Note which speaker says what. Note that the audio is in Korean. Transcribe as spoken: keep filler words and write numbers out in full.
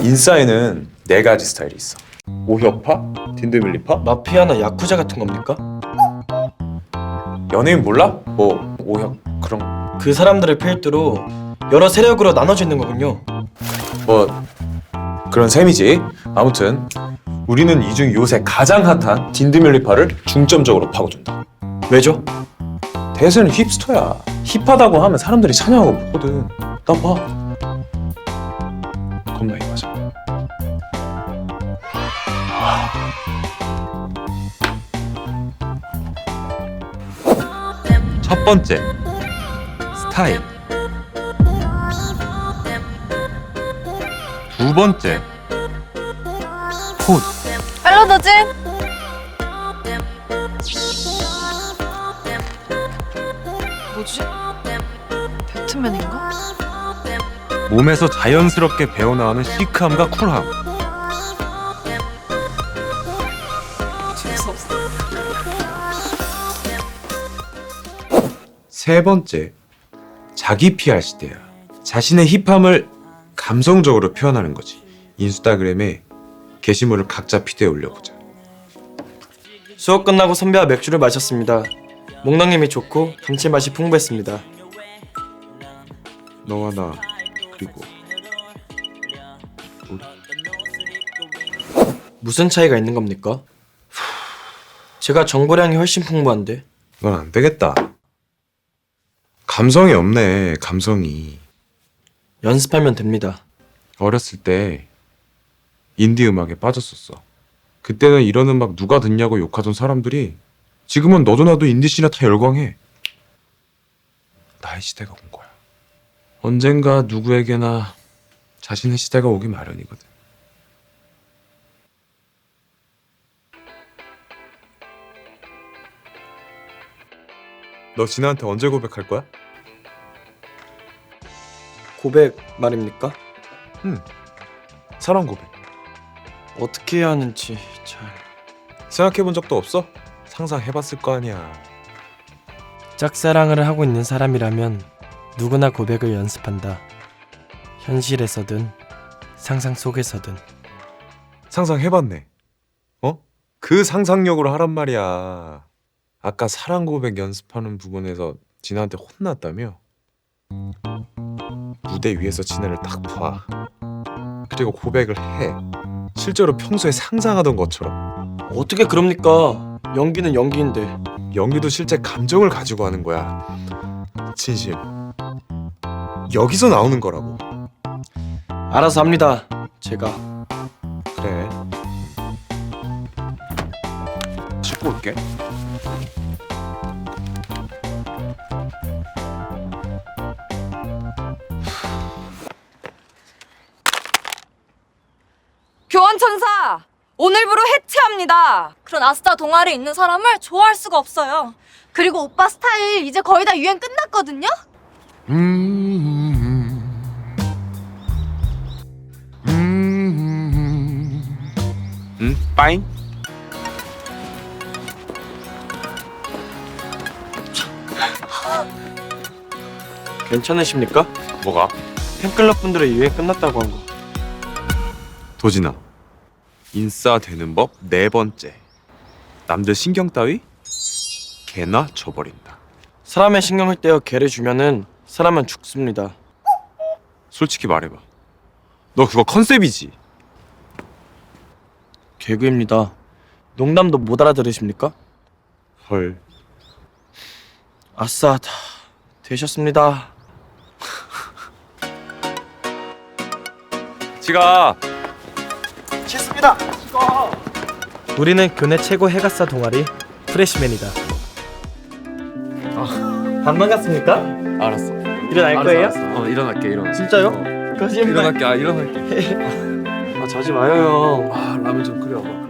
Speaker 1: 인싸에는 네 가지 스타일이 있어. 오혁파, 딘드밀리파,
Speaker 2: 마피아나 야쿠자 같은 겁니까?
Speaker 1: 연예인 몰라? 뭐 오혁 그런
Speaker 2: 그 사람들을 필두로 여러 세력으로 나눠져 있는 거군요.
Speaker 1: 뭐 그런 셈이지. 아무튼 우리는 이 중 요새 가장 핫한 딘드밀리파를 중점적으로 파고든다.
Speaker 2: 왜죠?
Speaker 1: 대세는 힙스터야. 힙하다고 하면 사람들이 찬양하고 보거든. 나 봐. 겁나 힙하잖아.
Speaker 3: 첫 번째, 스타일. 두 번째, 포즈.
Speaker 4: 멜로디지? 뭐지? 배트맨인가?
Speaker 3: 몸에서 자연스럽게 배어나오는 시크함과 쿨함.
Speaker 4: 재수없어.
Speaker 3: 세 번째, 자기 피알 시대야. 자신의 힙함을 감성적으로 표현하는 거지. 인스타그램에 게시물을 각자 피드에 올려보자.
Speaker 2: 수업 끝나고 선배와 맥주를 마셨습니다. 목넘김이 좋고 감칠맛이 풍부했습니다.
Speaker 3: 너와 나 그리고 우리.
Speaker 2: 무슨 차이가 있는 겁니까? 제가 정보량이 훨씬 풍부한데.
Speaker 3: 이건 안 되겠다. 감성이 없네. 감성이.
Speaker 2: 연습하면 됩니다.
Speaker 3: 어렸을 때 인디 음악에 빠졌었어. 그때는 이런 음악 누가 듣냐고 욕하던 사람들이 지금은 너도 나도 인디씬에 다 열광해. 나의 시대가 온 거야. 언젠가 누구에게나 자신의 시대가 오기 마련이거든. 너 진아한테 언제 고백할 거야?
Speaker 2: 고백 말입니까?
Speaker 3: 응. 사랑 고백.
Speaker 2: 어떻게 해야 하는지 잘...
Speaker 3: 생각해본 적도 없어? 상상해봤을 거 아니야.
Speaker 2: 짝사랑을 하고 있는 사람이라면 누구나 고백을 연습한다. 현실에서든 상상 속에서든.
Speaker 3: 상상해봤네. 어? 그 상상력으로 하란 말이야. 아까 사랑 고백 연습하는 부분에서 진아한테 혼났다며? 무대 위에서 진아를 딱 봐. 그리고 고백을 해. 실제로 평소에 상상하던 것처럼.
Speaker 2: 어떻게 그럽니까? 연기는 연기인데.
Speaker 3: 연기도 실제 감정을 가지고 하는 거야. 진심. 여기서 나오는 거라고.
Speaker 2: 알아서 합니다. 제가.
Speaker 3: 그래. 씻고 올게.
Speaker 4: 교환천사! 오늘부로 해체합니다. 그런 아스타 동아리에 있는 사람을 좋아할 수가 없어요. 그리고 오빠 스타일 이제 거의 다 유행 끝났거든요?
Speaker 3: 음, 음, 음, 빠잉?
Speaker 2: 괜찮으십니까?
Speaker 3: 뭐가?
Speaker 2: 팬클럽 분들의 유행 끝났다고 한 거.
Speaker 3: 도진아, 인싸 되는 법 네 번째. 남들 신경 따위 개나 줘버린다.
Speaker 2: 사람의 신경을 떼어 개를 주면은 사람은 죽습니다.
Speaker 3: 솔직히 말해봐. 너 그거 컨셉이지?
Speaker 2: 개그입니다. 농담도 못 알아들으십니까?
Speaker 3: 헐.
Speaker 2: 아싸, 다 되셨습니다.
Speaker 3: 지가
Speaker 2: 싫습니다. 우리는 교내 최고 해가사 동아리 프레시맨이다. 아, 안 반갑습니까?
Speaker 3: 알았어.
Speaker 2: 일어날 거예요?
Speaker 3: 어 일어날게 일어나.
Speaker 2: 진짜요?
Speaker 3: 어.
Speaker 2: 거짓말.
Speaker 3: 일어날게 아 일어날게.
Speaker 2: 아 자지 마요 형.
Speaker 3: 아 라면 좀 끓여봐.